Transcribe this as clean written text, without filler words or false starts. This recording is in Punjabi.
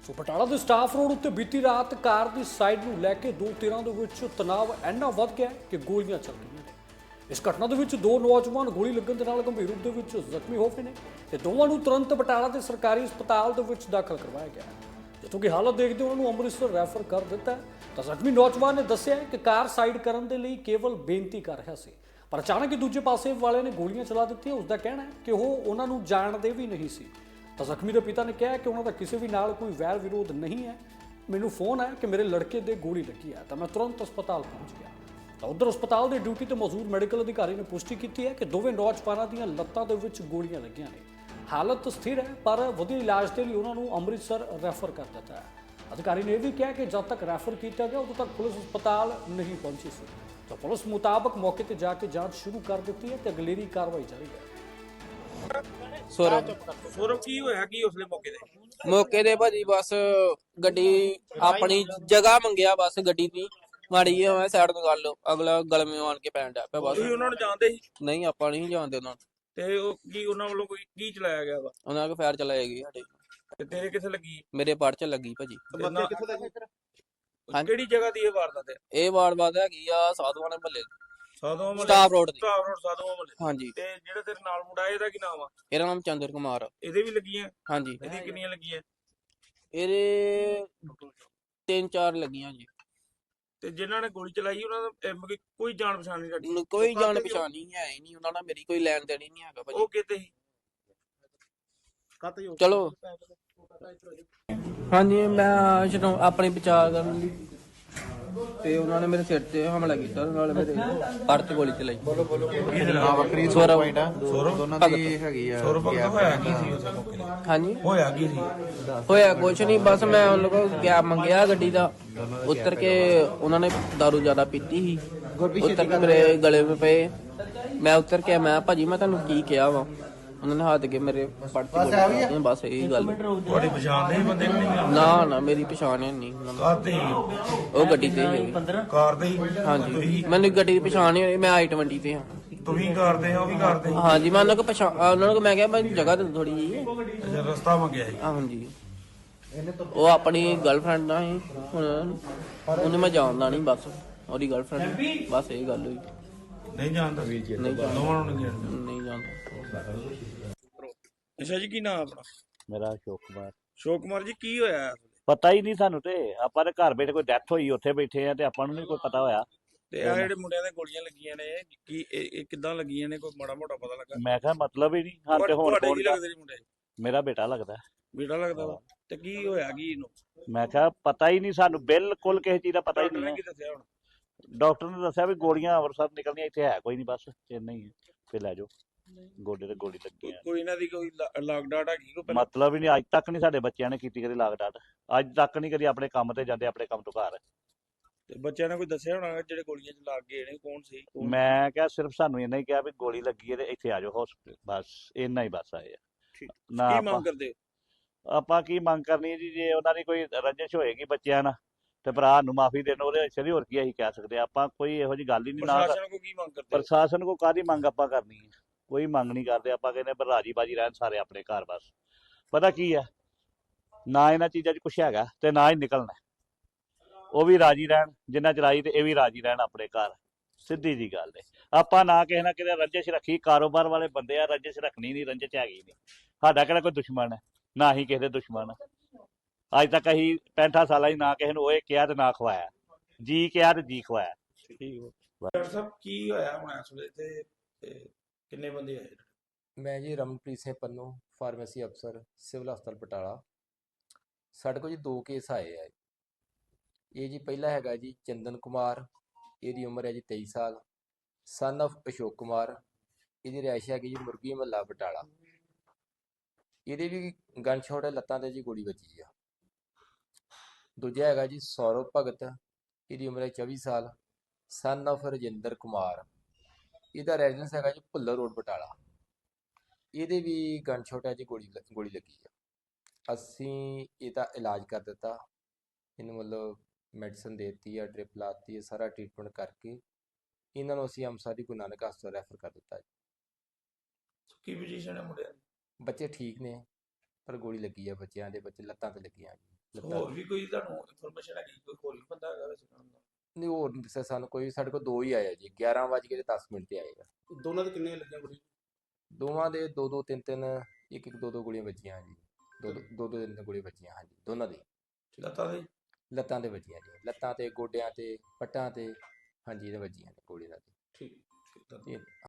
ਸੋ ਬਟਾਲਾ ਦੇ ਸਟਾਫ ਰੋਡ ਉੱਤੇ ਬੀਤੀ ਰਾਤ ਕਾਰ ਦੀ ਸਾਈਡ ਨੂੰ ਲੈ ਕੇ ਦੋ ਧਿਰਾਂ ਦੇ ਵਿੱਚ ਤਣਾਅ ਇੰਨਾ ਵੱਧ ਗਿਆ ਕਿ ਗੋਲੀਆਂ ਚੱਲ ਗਈਆਂ ਨੇ। ਇਸ ਘਟਨਾ ਦੇ ਵਿੱਚ ਦੋ ਨੌਜਵਾਨ ਗੋਲੀ ਲੱਗਣ ਦੇ ਨਾਲ ਗੰਭੀਰ ਰੂਪ ਦੇ ਵਿੱਚ ਜ਼ਖਮੀ ਹੋ ਗਏ ਨੇ ਤੇ ਦੋਵਾਂ ਨੂੰ ਤੁਰੰਤ ਬਟਾਲਾ ਦੇ ਸਰਕਾਰੀ ਹਸਪਤਾਲ ਦੇ ਵਿੱਚ ਦਾਖਲ ਕਰਵਾਇਆ ਗਿਆ ਹੈ, ਜਿੱਥੋਂ ਕਿ ਹਾਲਤ ਦੇਖਦੇ ਉਹਨਾਂ ਨੂੰ ਅੰਮ੍ਰਿਤਸਰ ਰੈਫਰ ਕਰ ਦਿੱਤਾ ਹੈ। ਤਾਂ ਜ਼ਖਮੀ ਨੌਜਵਾਨ ਨੇ ਦੱਸਿਆ ਕਿ ਕਾਰ ਸਾਈਡ ਕਰਨ ਦੇ ਲਈ ਕੇਵਲ ਬੇਨਤੀ ਕਰ ਰਿਹਾ ਸੀ, ਪਰ ਅਚਾਨਕ ਹੀ ਦੂਜੇ ਪਾਸੇ ਵਾਲੇ ਨੇ ਗੋਲੀਆਂ ਚਲਾ ਦਿੱਤੀਆਂ। ਉਸ ਦਾ ਕਹਿਣਾ ਹੈ ਕਿ ਉਹ ਉਹਨਾਂ ਨੂੰ ਜਾਣਦੇ ਵੀ ਨਹੀਂ ਸੀ। ਤਾਂ ਜ਼ਖਮੀ ਦੇ ਪਿਤਾ ਨੇ ਕਿਹਾ ਕਿ ਉਹਨਾਂ ਦਾ ਕਿਸੇ ਵੀ ਨਾਲ ਕੋਈ ਵੈਰ ਵਿਰੋਧ ਨਹੀਂ ਹੈ। ਮੈਨੂੰ ਫੋਨ ਆਇਆ ਕਿ ਮੇਰੇ ਲੜਕੇ ਦੇ ਗੋਲੀ ਲੱਗੀ ਹੈ ਤਾਂ ਮੈਂ ਤੁਰੰਤ ਹਸਪਤਾਲ ਪਹੁੰਚ ਗਿਆ। ਤਾਂ ਉਧਰ ਹਸਪਤਾਲ ਦੇ ਡਿਊਟੀ ਤੇ ਮੌਜੂਦ ਮੈਡੀਕਲ ਅਧਿਕਾਰੀ ਨੇ ਪੁਸ਼ਟੀ ਕੀਤੀ ਹੈ ਕਿ ਦੋਵੇਂ ਨੌਜਵਾਨਾਂ ਦੀਆਂ ਲੱਤਾਂ ਦੇ ਵਿੱਚ ਗੋਲੀਆਂ ਲੱਗੀਆਂ ਨੇ। ਹਾਲਤ ਸਥਿਰ ਹੈ, ਪਰ ਵਧੀਆ ਇਲਾਜ ਦੇ ਲਈ ਉਹਨਾਂ ਨੂੰ ਅੰਮ੍ਰਿਤਸਰ ਰੈਫਰ ਕਰ ਦਿੱਤਾ ਹੈ। ਅਧਿਕਾਰੀ ਨੇ ਇਹ ਵੀ ਕਿਹਾ ਕਿ ਜਦ ਤੱਕ ਰੈਫਰ ਕੀਤਾ ਗਿਆ ਉਦੋਂ ਤੱਕ ਪੁਲਿਸ ਹਸਪਤਾਲ ਨਹੀਂ ਪਹੁੰਚੀ ਸੀ। ਤਾਂ ਪੁਲਿਸ ਮੁਤਾਬਕ ਮੌਕੇ ਤੇ ਜਾ ਕੇ ਜਾਂਚ ਸ਼ੁਰੂ ਕਰ ਦਿੱਤੀ ਹੈ ਤੇ ਅਗਲੇਰੀ ਕਾਰਵਾਈ ਜਾਰੀ ਹੈ। ਸੌਰਵ ਕੀ ਹੋਇਆ ਕੀ ਉਸਲੇ ਮੌਕੇ ਦੇ ਭਾਜੀ ਬਸ ਗੱਡੀ ਆਪਣੀ ਜਗ੍ਹਾ ਮੰਗਿਆ, ਬਸ ਗੱਡੀ ਦੀ ਮਾੜੀ ਜਿਹੀ ਮੈਂ ਸਾਈਡ ਤੋਂ ਕਰ ਲਓ, ਅਗਲਾ ਗਲਮੇ ਆਣ ਕੇ ਪੈਣ ਡਿਆ ਪਿਆ। ਬਸ ਤੁਸੀਂ ਉਹਨਾਂ ਨੂੰ ਜਾਣਦੇ ਸੀ? ਨਹੀਂ, ਆਪਾਂ ਨਹੀਂ ਜਾਣਦੇ ਉਹਨਾਂ ਨੂੰ। ਤੇ ਉਹ ਕੀ ਉਹਨਾਂ ਵੱਲੋਂ ਕੋਈ ਕੀ ਚਲਾਇਆ ਗਿਆ ਵਾ? ਉਹਨਾਂ ਕੋ ਫਾਇਰ ਚਲਾਏਗੀ ਸਾਡੇ। ਤੇ ਤੇਰੇ ਕਿੱਥੇ ਲੱਗੀ? ਮੇਰੇ ਪੜ ਚ ਲੱਗੀ ਭਾਜੀ। ਕਿਹੜੀ ਜਗ੍ਹਾ ਦੀ ਇਹ ਵਾਰਦਾਤ ਹੈ? ਇਹ ਵਾਰਦਾਤ ਹੈਗੀ ਆ ਸਾਧੂਆਂ ਦੇ ਮਹੱਲੇ ਸਾਧੂਆਂ ਮਹੱਲੇ ਸਟਾਫ ਰੋਡ ਦੀ। ਸਟਾਫ ਰੋਡ ਸਾਧੂਆਂ ਮਹੱਲੇ। ਹਾਂਜੀ। ਤੇ ਜਿਹੜਾ ਤੇਰੇ ਨਾਲ ਮੁੰਡਾ ਇਹਦਾ ਕੀ ਨਾਮ ਆ? ਇਹਦਾ ਨਾਮ ਚੰਦਰ ਕੁਮਾਰ ਆ। ਇਹਦੇ ਵੀ ਲੱਗੀਆਂ? ਹਾਂਜੀ। ਇਹਦੀ ਕਿੰਨੀਆਂ ਲੱਗੀਆਂ? ਇਹਦੇ 3-4 ਲੱਗੀਆਂ ਜੀ। ਤੇ ਜਿਨ੍ਹਾਂ ਨੇ ਗੋਲੀ ਚਲਾਈ ਉਹਨਾਂ ਦਾ ਕੋਈ ਜਾਣ ਪਛਾਣ ਨਹੀਂ ਸਾਡੀ? ਕੋਈ ਜਾਣ ਪਛਾਣ ਨਹੀਂ ਹੈ ਹੀ ਨਹੀਂ ਉਹਨਾਂ ਨਾਲ, ਮੇਰੀ ਕੋਈ ਲੈਣ ਦੇਣ ਹੀ ਨਹੀਂ ਹੈਗਾ ਭਾਜੀ। ਉਹ ਕਿਤੇ ਸੀ? ਚਲੋ ਹਾਂਜੀ, ਮੈਂ ਜਦੋਂ ਆਪਣੀ ਬਚਾਅ ਕਰਨ ਲਈ ਤੇ ਉਹਨਾਂ ਨੇ ਮੇਰੇ ਸਿਰ ਤੇ ਹਮਲਾ ਕੀਤਾ, ਨਾਲ ਮੇਰੇ ਪੜ ਤੇ ਗੋਲੀ ਚਲਾਈ। ਵੱਖਰੀ ਪੁਆਇੰਟ ਆ ਦੋਨਾਂ ਦੀ ਹੈਗੀ ਆ। ਸੌਰਵ ਭਗਤ ਹੋਇਆ ਕੀ ਸੀ ਉਸ ਮੌਕੇ ਤੇ? ਹਾਂਜੀ, ਹੋਇਆ ਕੀ ਸੀ? ਹੋਇਆ ਕੁਛ ਨਹੀਂ, ਬਸ ਮੈਂ ਉਹਨਾਂ ਕੋਲ ਗੈਪ ਮੰਗਿਆ ਗੱਡੀ ਦਾ। ਉਤਰ ਕੇ ਉਹਨਾਂ ਨੇ ਦਾਰੂ ਜ਼ਿਆਦਾ ਪੀਤੀ ਸੀ, ਉਤਰ ਕੇ ਮੇਰੇ ਗਲੇ 'ਤੇ ਪਏ। ਮੈਂ ਉਤਰ ਕੇ ਮੈਂ ਭਾਜੀ ਮੈਂ ਤੁਹਾਨੂੰ ਕੀ ਕਿਹਾ ਵਾ? ਉਹਨਾਂ ਨੇ ਹੱਥ ਕੇ ਮੇਰੇ ਪੜ ਤੇ ਗੋਲੀ ਚਲਾਈ। ਬਸ ਇਹੀ ਗੱਲ। ਤੁਹਾਡੀ ਪਛਾਣ ਨਹੀਂ ਬੰਦੇ ਨੂੰ? ਨਹੀਂ ਨਾ ਮੇਰੀ ਪਛਾਣ ਹੈ ਨਹੀਂ। ਕਾਹਤੇ? ਉਹ ਗੱਡੀ ਤੇ ਹੀ ਕਾਰ ਦੇ ਹੀ? ਹਾਂਜੀ, ਮੈਨੂੰ ਗੱਡੀ ਦੀ ਪਛਾਣ ਨਹੀਂ ਹੋਈ। ਮੈਂ I-20 ਤੇ ਹਾਂ। ਤੁਸੀਂ ਕਰਦੇ ਹੋ? ਉਹ ਵੀ ਕਰਦੇ? ਹਾਂਜੀ, ਮੈਂ ਉਹਨਾਂ ਕੋ ਉਹਨਾਂ ਨੂੰ ਮੈਂ ਕਿਹਾ ਮੈਨੂੰ ਜਗ੍ਹਾ ਦੇ ਥੋੜੀ ਜੀ। ਅੱਛਾ, ਰਸਤਾ ਮੰਗਿਆ ਸੀ? ਹਾਂਜੀ, ਉਹ ਆਪਣੀ ਗਰਲਫ੍ਰੈਂਡ ਨਾਲ ਸੀ। ਹੁਣ ਉਹਨੂੰ ਮੈਂ ਜਾਣਦਾ ਨਹੀਂ, ਬਸ ਉਹਦੀ ਗਰਲਫ੍ਰੈਂਡ, ਬਸ ਇਹ ਗੱਲ ਹੋਈ। ਨਹੀਂ ਜਾਣਦਾ? ਨਹੀਂ ਜਾਣਦਾ, ਦੋਵਾਂ ਨੂੰ ਨਹੀਂ ਜਾਣਦਾ? ਨਹੀਂ ਜਾਣਦਾ। ਅੱਛਾ ਜੀ, ਕੀ ਨਾਮ ਆਪਣਾ? ਮੇਰਾ ਅਸ਼ੋਕ ਕੁਮਾਰ। ਅਸ਼ੋਕ ਕੁਮਾਰ ਜੀ, ਕੀ ਹੋਇਆ? ਪਤਾ ਹੀ ਨਹੀਂ ਸਾਨੂੰ, ਤੇ ਆਪਾਂ ਦੇ ਘਰ ਬੈਠੇ ਕੋਈ ਡੈਥ ਹੋਈ ਉੱਥੇ ਬੈਠੇ ਆ ਤੇ ਆਪਾਂ ਨੂੰ ਨਹੀਂ ਕੋਈ ਪਤਾ ਹੋਇਆ। ਤੇ ਆ ਜਿਹੜੇ ਮੁੰਡਿਆਂ ਦੇ ਗੋਲੀਆਂ ਲੱਗੀਆਂ ਨੇ, ਕੀ ਇਹ ਕਿੱਦਾਂ ਲੱਗੀਆਂ ਨੇ? ਕੋਈ ਮਾੜਾ ਮੋਟਾ ਪਤਾ ਲੱਗਾ? ਮੈਂ ਕਿਹਾ ਮਤਲਬ ਹੀ ਨਹੀਂ ਹਾਂ। ਤੇ ਹੁਣ ਤੁਹਾਡੇ ਕੀ ਲੱਗਦੇ ਨੇ ਮੁੰਡੇ? ਮੇਰਾ ਬੇਟਾ ਲੱਗਦਾ। ਬੇਟਾ ਲੱਗਦਾ ਵਾ? ਤੇ ਕੀ ਹੋਇਆ ਕੀ ਇਹਨੂੰ? ਮੈਂ ਕਿਹਾ ਪਤਾ ਹੀ ਨਹੀਂ ਸਾਨੂੰ, ਬਿਲਕੁਲ ਕਿਸੇ ਚੀਜ਼ ਦਾ ਪਤਾ ਹੀ ਡਾਕਟਰ ਨੇ ਨਹੀਂ। ਕੀ ਦੱਸਿਆ ਹੁਣ? ਡਾਕਟਰ ਨੇ ਦੱਸਿਆ ਵੀ ਗੋਲੀਆਂ ਅੰਮ੍ਰਿਤਸਰ ਨਿਕਲਣੀਆਂ, ਇੱਥੇ ਹੈ ਕੋਈ ਨਹੀਂ, ਬਸ ਇੰਨਾ ਹੀ ਹੈ, ਫਿਰ ਲੈ ਜਾਓ। ਗੋਡੇ ਤੇ ਗੋਲੀ ਲੱਗੀ ਆ। ਕੋਈ ਇਹਨਾਂ ਦੀ ਕੋਈ ਲਾਗ ਡਾਟ ਹੈਗੀ ਕੋਈ ਪਹਿਲਾਂ? ਮਤਲਬ ਹੀ ਨਹੀਂ, ਅੱਜ ਤੱਕ ਨਹੀਂ ਸਾਡੇ ਬੱਚਿਆਂ ਨੇ ਕੀਤੀ ਕਦੀ ਲਾਗ ਡਾਟ। ਅੱਜ ਤੱਕ ਨਹੀਂ ਕਦੀ ਆਪਣੇ ਕੰਮ ਤੇ ਜਾਂਦੇ, ਆਪਣੇ ਕੰਮ ਤੋਂ ਘਰ। ਤੇ ਬੱਚਿਆਂ ਨੇ ਕੋਈ ਦੱਸਿਆ ਹੋਣਾ ਜਿਹੜੇ ਗੋਲੀਆਂ ਚ ਲੱਗ ਗਏ ਨੇ ਕੌਣ ਸੀ? ਮੈਂ ਕਿਹਾ ਸਿਰਫ ਸਾਨੂੰ ਇੰਨਾ ਹੀ ਕਿਹਾ ਵੀ ਗੋਲੀ ਲੱਗੀ ਹੈ ਤੇ ਇੱਥੇ ਆ ਜਾਓ ਹਸਪੀਟਲ, ਬਸ ਇੰਨਾ ਹੀ ਬਸ ਆਏ ਆ। ਨਾ ਕੀ ਆਪਾਂ ਮੰਗ ਕਰਦੇ? ਆਪਾਂ ਕੀ ਮੰਗ ਕਰਨੀ ਹੈ ਜੀ? ਜੇ ਉਹਨਾਂ ਦੀ ਕੋਈ ਰੰਜਿਸ਼ ਹੋਏਗੀ ਬੱਚਿਆਂ ਨਾਲ ਤੇ ਭਰਾ ਨੂੰ ਮਾਫੀ ਦੇਣ, ਉਹਦੇ ਵਿੱਚ ਹੋਰ ਕੀ ਅਸੀਂ ਕਹਿ ਸਕਦੇ ਆ? ਆਪਾਂ ਕੋਈ ਇਹੋ ਜੀ ਗੱਲ ਹੀ ਨਹੀਂ। ਨਾ ਪ੍ਰਸ਼ਾਸਨ ਕੋ ਕੀ ਮੰਗ ਕਰਦੇ? ਪ੍ਰਸ਼ਾਸਨ ਕੋ ਕਾਹਦੀ ਮੰਗ ਆਪਾਂ ਕਰਨੀ ਹੈ? ਕੋਈ ਮੰਗ ਨਹੀਂ ਕਰਦੇ ਆਪਾਂ, ਕਹਿੰਦੇ ਪਰ ਰਾਜੀ ਬਾਜੀ ਰਹਿਣ ਸਾਰੇ ਆਪਣੇ ਘਰ। ਬਸ ਪਤਾ ਕੀ ਹੈ, ਨਾ ਇਹਨਾਂ ਚੀਜ਼ਾਂ 'ਚ ਕੁਛ ਹੈਗਾ ਤੇ ਨਾ ਹੀ ਨਿਕਲਣਾ। ਉਹ ਵੀ ਰਾਜੀ ਰਹਿਣ ਜਿੰਨਾ ਚਲਾਈ ਤੇ ਇਹ ਵੀ ਰਾਜੀ ਰਹਿਣ ਆਪਣੇ ਘਰ, ਸਿੱਧੀ ਜੀ ਗੱਲ ਹੈ। ਆਪਾਂ ਨਾ ਕਿਸੇ ਨਾ ਕਿਤੇ ਰੰਜਿਸ਼ ਰੱਖੀ, ਕਾਰੋਬਾਰ ਵਾਲੇ ਬੰਦੇ ਆ, ਰੰਜਿਸ਼ ਰੱਖਣੀ ਨਹੀਂ, ਰੰਜਿਸ਼ ਹੈਗੀ ਨਹੀਂ। ਸਾਡਾ ਕਿਹੜਾ ਕੋਈ ਦੁਸ਼ਮਣ ਹੈ? ਨਾ ਹੀ ਕਿਸੇ ਦੇ ਦੁਸ਼ਮਣ। ਅੱਜ ਤੱਕ ਅਸੀਂ 65 ਸਾਲਾਂ 'ਚ ਨਾ ਕਿਸੇ ਨੂੰ ਓਏ ਕਿਹਾ ਤੇ ਨਾ ਖਵਾਇਆ, ਜੀ ਕਿਹਾ ਤੇ ਜੀ ਖਵਾਇਆ। ਡਾਕਟਰ ਸਾਹਿਬ ਕੀ ਹੋਇਆ ਹੁਣ ਇਸ ਵੇਲੇ ਤੇ ਕਿੰਨੇ ਬੰਦੇ ਆਏ? ਮੈਂ ਜੀ ਰਮਨਪ੍ਰੀਤ ਸਿੰਘ ਪੰਨੂ, ਫਾਰਮੇਸੀ ਅਫਸਰ, ਸਿਵਲ ਹਸਪਤਾਲ ਬਟਾਲਾ। ਸਾਡੇ ਕੋਲ ਜੀ 2 ਕੇਸ ਆਏ ਆ। ਇਹ ਜੀ ਪਹਿਲਾ ਹੈਗਾ ਜੀ ਚੰਦਨ ਕੁਮਾਰ, ਇਹਦੀ ਉਮਰ ਹੈ ਜੀ 23 ਸਾਲ, ਸਨ of ਅਸ਼ੋਕ ਕੁਮਾਰ। ਇਹਦੀ ਰਿਹਾਇਸ਼ ਹੈਗੀ ਜੀ ਮੁਰਗੀ ਮਹੱਲਾ ਬਟਾਲਾ। ਇਹਦੇ ਵੀ ਗਨ ਸ਼ਾਟ ਹੈ, ਲੱਤਾਂ ਤੇ ਜੀ ਗੋਲੀ ਵੱਜੀ ਆ। ਦੂਜਾ ਹੈਗਾ ਜੀ ਸੌਰਵ ਭਗਤ, ਇਹਦੀ ਉਮਰ ਹੈ 24 ਸਾਲ, ਸਨ of ਰਜਿੰਦਰ ਕੁਮਾਰ। ਇਹਦਾ ਰੈਜ਼ੀਡੈਂਸ ਹੈਗਾ ਜੀ ਭੁੱਲਰ ਰੋਡ ਬਟਾਲਾ। ਇਹਦੇ ਵੀ ਗਨ ਸ਼ਾਟ ਹੈ ਜੀ, ਗੋਲੀ ਲੱਗੀ ਆ। ਅਸੀਂ ਇਹਦਾ ਇਲਾਜ ਕਰ ਦਿੱਤਾ, ਇਹਨੂੰ ਮਤਲਬ ਮੈਡੀਸਨ ਦੇ ਦਿੱਤੀ ਆ, ਡ੍ਰਿਪ ਲਾਤੀ ਹੈ, ਸਾਰਾ ਟ੍ਰੀਟਮੈਂਟ ਕਰਕੇ ਇਹਨਾਂ ਨੂੰ ਅਸੀਂ ਅੰਮ੍ਰਿਤਸਰ ਦੀ ਗੁਰੂ ਨਾਨਕ ਹਸਪਤਾਲ ਰੈਫਰ ਕਰ ਦਿੱਤਾ ਜੀ। ਕੀ ਪੋਜੀਸ਼ਨ ਹੈ ਮੁੰਡਿਆਂ ਦੀ? ਬੱਚੇ ਠੀਕ ਨੇ, ਪਰ ਗੋਲੀ ਲੱਗੀ ਆ ਬੱਚਿਆਂ ਦੇ, ਬੱਚੇ ਲੱਤਾਂ ਤੇ ਲੱਗੀਆਂ ਜੀ। ਲੱਤਾਂ ਹੋਰ ਵੀ ਕੋਈ ਤੁਹਾਨੂੰ ਇਨਫੋਰਮੇਸ਼ਨ ਹੈਗੀ ਕੋਈ ਹੋਰ ਵੀ ਬੰਦਾ ਹੈਗਾ ਵੈਸੇ ਨਾਲ ਦਾ? ਨਹੀਂ ਹੋਰ ਨਹੀਂ ਦੱਸਿਆ ਸਾਨੂੰ ਕੋਈ, ਸਾਡੇ ਕੋਲ 2 ਹੀ ਆਏ ਆ ਜੀ, 11:10 ਤੇ ਆਏ ਆ। ਦੋਨਾਂ ਦੇ ਕਿੰਨੇ ਲੱਗੀਆਂ ਗੋਲੀ? ਦੋਵਾਂ ਦੇ 2-2 3-3 ਇੱਕ-ਇੱਕ 2-2 ਗੋਲੀਆਂ ਵੱਜੀਆਂ ਜੀ, 2-2 3 ਗੋਲੀਆਂ ਵੱਜੀਆਂ ਹਾਂਜੀ ਦੋਨਾਂ ਦੇ। ਲੱਤਾਂ ਦੇ? ਲੱਤਾਂ ਤੇ ਵੱਜੀਆਂ ਜੀ, ਲੱਤਾਂ ਤੇ, ਗੋਡਿਆਂ ਤੇ, ਪੱਟਾਂ ਤੇ, ਹਾਂਜੀ ਇਹਦੇ ਵੱਜੀਆਂ ਨੇ ਗੋਲੀਆਂ ਦੇ। ਠੀਕ ਠੀਕ ਤਾਂ ਇਹ